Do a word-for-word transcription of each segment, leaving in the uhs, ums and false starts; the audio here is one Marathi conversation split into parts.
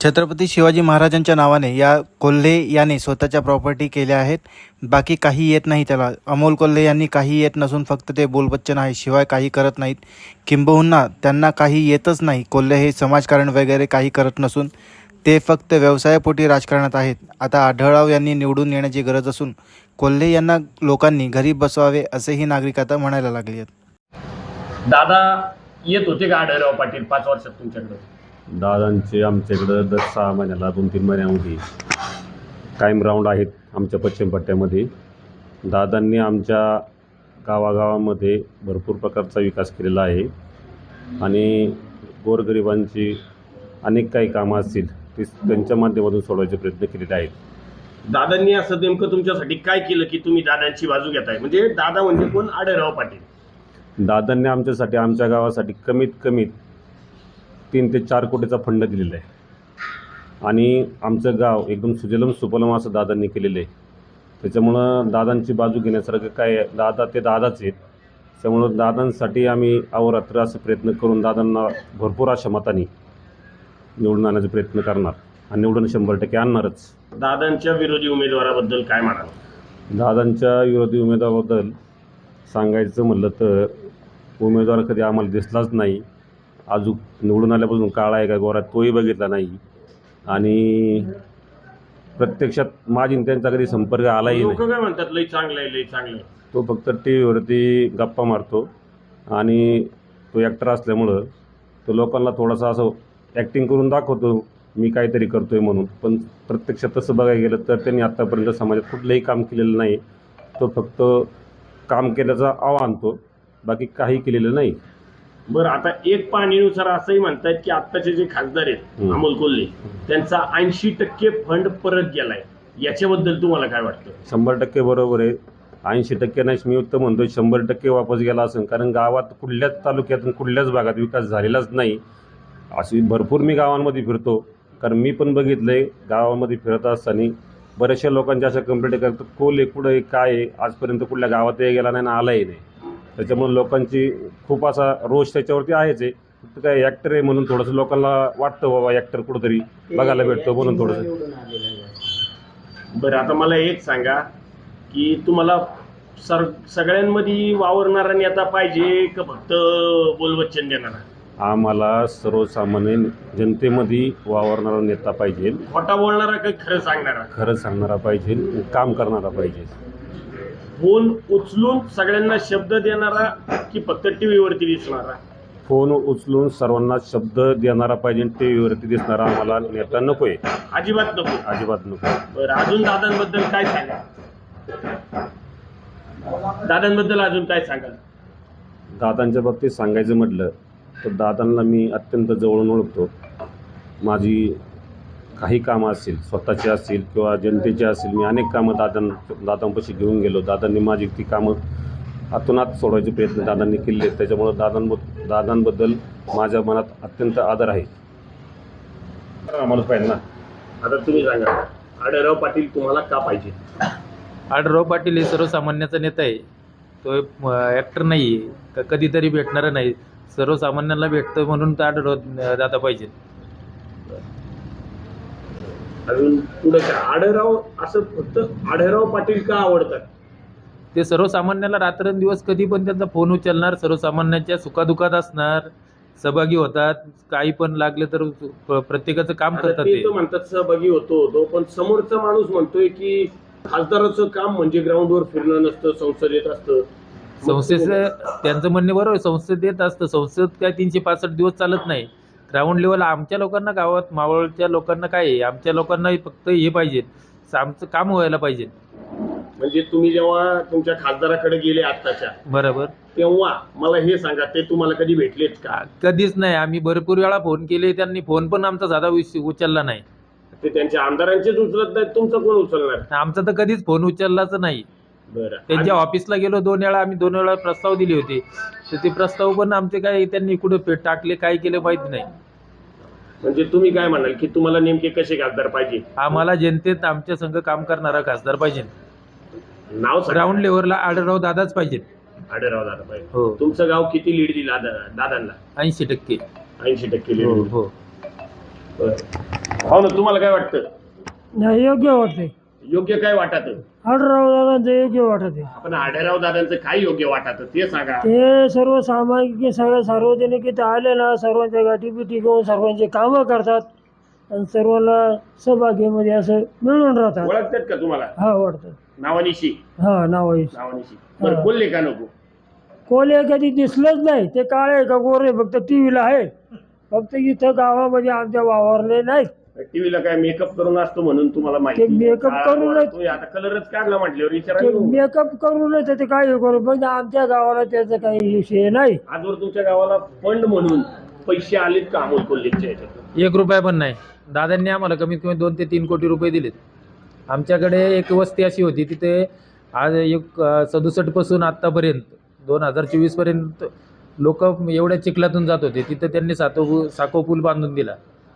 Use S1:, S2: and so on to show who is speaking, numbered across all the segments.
S1: छत्रपती शिवाजी महाराजांच्या नावाने या कोल्हे याने स्वतःच्या प्रॉपर्टी केल्या आहेत. बाकी काही येत नाही त्याला. अमोल कोल्हे यांनी काही येत नसून फक्त ते बोलबच्चन आहे, शिवाय काही करत नाहीत. किंबहुना त्यांना काही येतच नाही. कोल्हे हे समाजकारण वगैरे काही करत नसून ते फक्त व्यवसायापोटी राजकारणात आहेत. आता आढळराव यांनी निवडून येण्याची गरज असून कोल्हे यांना लोकांनी घरी बसवावे असेही नागरिक आता म्हणायला लागले आहेत.
S2: दादा येत होते का आढळराव पाटील पाच वर्षात तुमच्याकडे?
S3: दादांचे आमच्याकडं दर सहा महिन्याला दोन तीन महिन्यामध्ये कायम राऊंड आहेत आमच्या पश्चिम पट्ट्यामध्ये. दादांनी आमच्या गावागावामध्ये भरपूर प्रकारचा विकास केलेला आहे आणि गोरगरिबांची अनेक काही कामं असतील ती त्यांच्या माध्यमातून सोडवायचे प्रयत्न केलेले आहेत.
S2: दादांनी असं नेमकं तुमच्यासाठी काय केलं की तुम्ही दादांची बाजू घेताय? म्हणजे दादा म्हणजे कोण? आढळराव पाटील.
S3: दादांनी आमच्यासाठी आमच्या गावासाठी कमीत कमीत तीन ते चार कोटीचा फंड दिलेला आहे आणि आमचं गाव एकदम सुजलम सुफलम असं दादांनी केलेलं आहे. त्याच्यामुळं दादांची बाजू घेण्यासारखं काय, दादा ते दादाच आहेत. त्यामुळं दादांसाठी आम्ही अहोरात्र असं प्रयत्न करून दादांना भरपूर अशा मताने निवडून आणण्याचा प्रयत्न करणार आणि निवडून शंभर टक्के आणणारच.
S2: दादांच्या विरोधी उमेदवाराबद्दल काय म्हणाल?
S3: दादांच्या विरोधी उमेदवाराबद्दल सांगायचं म्हटलं तर उमेदवार कधी आम्हाला दिसलाच नाही. अजून निवडून आल्यापासून काळा आहे का गोरा तोही बघितला नाही आणि प्रत्यक्षात माझी त्यांचा कधी संपर्क आलाही नाही.
S2: लोक काय म्हणतात लई चांगलं आहे लई चांगलं आहे.
S3: तो फक्त टी व्हीवरती गप्पा मारतो आणि तो ॲक्टर असल्यामुळं तो लोकांना थोडासा असं ॲक्टिंग करून दाखवतो मी काहीतरी करतो आहे म्हणून. पण प्रत्यक्षात तसं बघायला गेलं तर त्यांनी आत्तापर्यंत समाजात कुठलंही काम केलेलं नाही. तो फक्त काम केल्याचा आव आणतो, बाकी काही केलेलं नाही.
S2: बरं, आता एक पाहणीनुसार असंही म्हणतात की आत्ताचे जे खासदार आहेत अमोल कोल्हे त्यांचा ऐंशी टक्के फंड परत गेलाय, याच्याबद्दल तुम्हाला काय वाटतं?
S3: शंभर टक्के बरोबर आहे. ऐंशी टक्के नाही, मी तर म्हणतो शंभर टक्के वापस गेला असेल. कारण गावात कुठल्याच तालुक्यातून कुठल्याच भागात विकास झालेलाच नाही. अशी भरपूर मी गावांमध्ये फिरतो, कारण मी पण बघितलं आहे गावामध्ये फिरत असताना बऱ्याचशा लोकांच्या अशा कंप्लेंट करतात कोल्हे कुठं आहे काय आहे, आजपर्यंत कुठल्या गावातही गेला नाही ना आलाही नाही. त्याच्यामुळे लोकांची खूप असा रोष त्याच्यावरती आहेच आहे. फक्त काय ॲक्टर आहे म्हणून थोडंसं लोकांना वाटतं बाबा ॲक्टर कुठंतरी बघायला भेटतो म्हणून थोडंसं.
S2: बरं, आता मला एक सांगा की तुम्हाला सर सगळ्यांमध्ये वावरणारा नेता पाहिजे का फक्त बोलबच्चन देणारा?
S3: आम्हाला सर्वसामान्य जनतेमध्ये वावरणारा नेता पाहिजे.
S2: खोटा बोलणारा का खरं सांगणारा?
S3: खरं सांगणारा पाहिजे, काम करणारा पाहिजे.
S2: फोन उचलून सगळ्यांना शब्द देणारा की फक्त टीव्हीवरती दिसणारा?
S3: फोन उचलून सर्वांना शब्द देणारा पाहिजे. टी व्हीवरती दिसणारा आम्हाला नेता नको आहे,
S2: अजिबात नको.
S3: अजिबात नको.
S2: बरं, अजून दादांबद्दल काय सांगा? दादांबद्दल अजून काय सांगाल?
S3: दादांच्या बाबतीत सांगायचं म्हटलं तर दादांना मी अत्यंत जवळून ओळखतो. माझी काही कामं असतील स्वतःची असतील किंवा जनतेची असतील, मी अनेक कामं दादां दादांपाशी घेऊन गेलो. दादांनी माझी ती कामं हातोनात सोडवायचे प्रयत्न दादांनी केले. त्याच्यामुळं दादांबद्दल दादांबद्दल माझ्या मनात अत्यंत आदर आहे. आम्हाला पाहिजे ना.
S2: आता तुम्ही सांगा, आढळराव पाटील तुम्हाला का पाहिजे?
S4: आढळराव पाटील हे सर्वसामान्याचा नेता आहे. तो ॲक्टर नाही आहे, का कधीतरी भेटणारा नाही. सर्वसामान्यांना भेटतं म्हणून तर आढळराव दादा पाहिजे.
S2: अजून पुढे काय? आढळराव असं फक्त आढळराव पाटील का आवडतात?
S4: ते सर्वसामान्याला रात्रंदिवस कधी पण त्यांचा फोन उचलणार, सर्वसामान्यांच्या सुखादुखात असणार, सहभागी होतात. काही पण लागले तर प्रत्येकाचं काम करतात.
S2: ते तो म्हणतात सहभागी होतो होतो, पण समोरचा माणूस म्हणतोय की खासदाराचं काम म्हणजे ग्राउंडवर फिरणं नसतं, संसदेत असतं.
S4: संसदेचं त्यांचं म्हणणे बरोबर, संसदेत असतं. संसद काय तीनशे पासष्ट दिवस चालत नाही. ग्राउंड लेवल आमच्या लोकांना, गावात मावळच्या लोकांना काय आहे, आमच्या लोकांना फक्त हे पाहिजे, आमचं काम व्हायला पाहिजे.
S2: म्हणजे तुम्ही जेव्हा तुमच्या खासदाराकडे गेले आत्ताच्या,
S4: बरोबर,
S2: तेव्हा मला हे सांगा, ते तुम्हाला कधी भेटलेत का?
S4: कधीच नाही. आम्ही भरपूर वेळा फोन केले, त्यांनी फोन पण आमचा साधा उचलला नाही.
S2: ते त्यांच्या आमदारांचेच उचलत नाहीत, तुमचं कोण उचलणार?
S4: आमचा तर कधीच फोन उचललाच नाही.
S2: बरं,
S4: त्यांच्या ऑफिसला गेलो दोन वेळा, आम्ही दोन वेळा प्रस्ताव दिले होते, तर ते प्रस्ताव पण आमचे काय त्यांनी कुठे टाकले, काय केले माहिती नाही.
S2: म्हणजे तुम्ही काय म्हणाल की तुम्हाला नेमके कसे खासदार पाहिजे?
S4: आम्हाला जनतेत आमच्या संघ काम करणारा खासदार पाहिजे.
S2: नाव सांगा.
S4: ग्राउंड लेवलला आढळराव दादाच पाहिजे.
S2: आढळराव दादा पाहिजे.
S4: हो.
S2: तुमचं गाव किती लीड दिला दादांना?
S4: ऐंशी टक्के
S2: ऐंशी टक्के लीड.
S4: हो हो.
S2: बरं. हो ना, तुम्हाला काय वाटतं?
S5: नाही योग्य वाटते.
S2: योग्य काय वाटत?
S5: आढळराव दादांचं योग्य वाटत आहे.
S2: आपण आढळराव दादांचं काय योग्य वाटत ते सांगा.
S5: ते सर्व सामाजिक सगळ्या सार्वजनिक इथे आले ना, सर्वांच्या गाठी बिठी घेऊन सर्वांचे कामं करतात आणि सर्वांना सौभाग्यामध्ये असं मिळून राहतात.
S2: ओळखतात का तुम्हाला?
S5: हा वाटतं.
S2: नावानिशी?
S5: हा नाव
S2: नावानिशी. बरं, कोल्हे का नको?
S5: कोले कधी दिसलंच नाही. ते काळे का गोरे फक्त टीव्हीला आहे, फक्त इथं गावामध्ये आमच्या वावरले नाहीत.
S2: टीव्हीला काय मेकअप करून असतो म्हणून तुम्हाला माहिती?
S5: ते makeup
S2: का-
S5: करूनच-
S2: तुम्ही आता कलरच काढला म्हटल्यावर
S5: ते
S2: विचारायला
S5: मेकअप करूनच ते काय करू, पण आमच्या गावाला त्याचा काही विषय नाही.
S2: आजवर तुमच्या गावाला फंड म्हणून पैसे आलेत का अमोल कोल्हेच्या याच्यात?
S4: एक रुपया पण नाही. दादांनी आम्हाला कमीत कमी दोन ते तीन कोटी रुपये दिलेत. आमच्याकडे एक वस्ती अशी होती, तिथे आज एक सदुसष्टपासून आत्तापर्यंत दोन हजार चोवीसपर्यंत लोक एवढ्या चिखलातून जात होते. तिथं त्यांनी सातो साको पूल बांधून दिला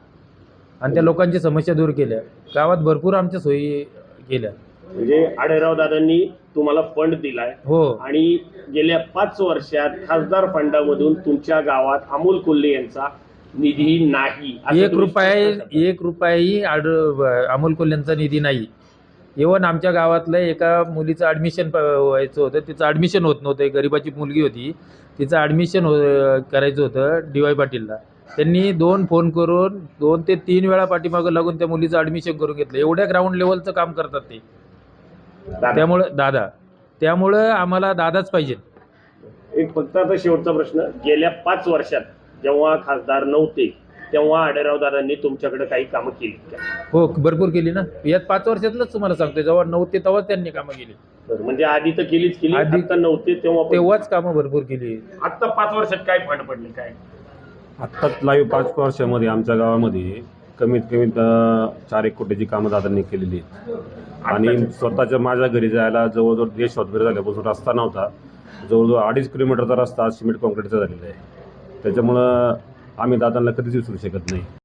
S4: आणि त्या लोकांची समस्या दूर केल्या. गावात भरपूर आमच्या सोयी केल्या.
S2: म्हणजे आढळराव दादांनी तुम्हाला फंड दिलाय
S4: हो,
S2: आणि गेल्या पाच वर्षात खासदार फंडामधून तुमच्या गावात अमोल कोल्हे यांचा निधी नाही. असं
S4: एक
S2: तुम्ही
S4: रुपया
S2: स्पष्ट सांगा.
S4: एक रुपयाही आड अमोल कोल्ह्यांचा निधी नाही. इव्हन आमच्या गावातलं एका मुलीचं ॲडमिशन व्हायचं होतं, तिचं ॲडमिशन होत नव्हतं. एक गरिबाची मुलगी होती, तिचं ॲडमिशन हो करायचं होतं डी वाय पाटीलला. त्यांनी दोन फोन करून दोन ते तीन वेळा पाठीमागं लागून त्या मुलीचं ॲडमिशन करून घेतलं. एवढ्या ग्राउंड लेवलचं काम करतात ते.
S2: दादा,
S4: त्यामुळं दादा त्यामुळं आम्हाला दादाच पाहिजे.
S2: एक फक्त आता शेवटचा प्रश्न, गेल्या पाच वर्षात जेव्हा खासदार नव्हते तेव्हा आढळराव दादांनी तुमच्याकडे काही कामं केली का?
S4: हो, भरपूर केली ना. यात पाच वर्षातलंच तुम्हाला सांगतोय, जेव्हा नव्हते तेव्हाच त्यांनी कामं केली.
S2: बरं, म्हणजे आधी तर केलीच केली,
S4: आधी-
S2: आता नव्हते तेव्हा पण-
S4: तेव्हाच कामं भरपूर केली.
S2: आता पाच वर्षात काय फंड पडले काय?
S3: आत्ताच लाईव्ह पाच वर्षामध्ये आमच्या गावामध्ये कमीत कमी अं, चार एक कोटीची कामं दादांनी केलेली आहेत. आणि स्वतःच्या माझ्या घरी जायला जवळजवळ देश वगैरे झाल्यापासून रस्ता नव्हता. जवळजवळ अडीच किलोमीटरचा रस्ता आज सिमेंट कॉन्क्रीटचा झालेला आहे. त्याच्यामुळं आम्ही दादांना कधीच विसरू शकत नाही.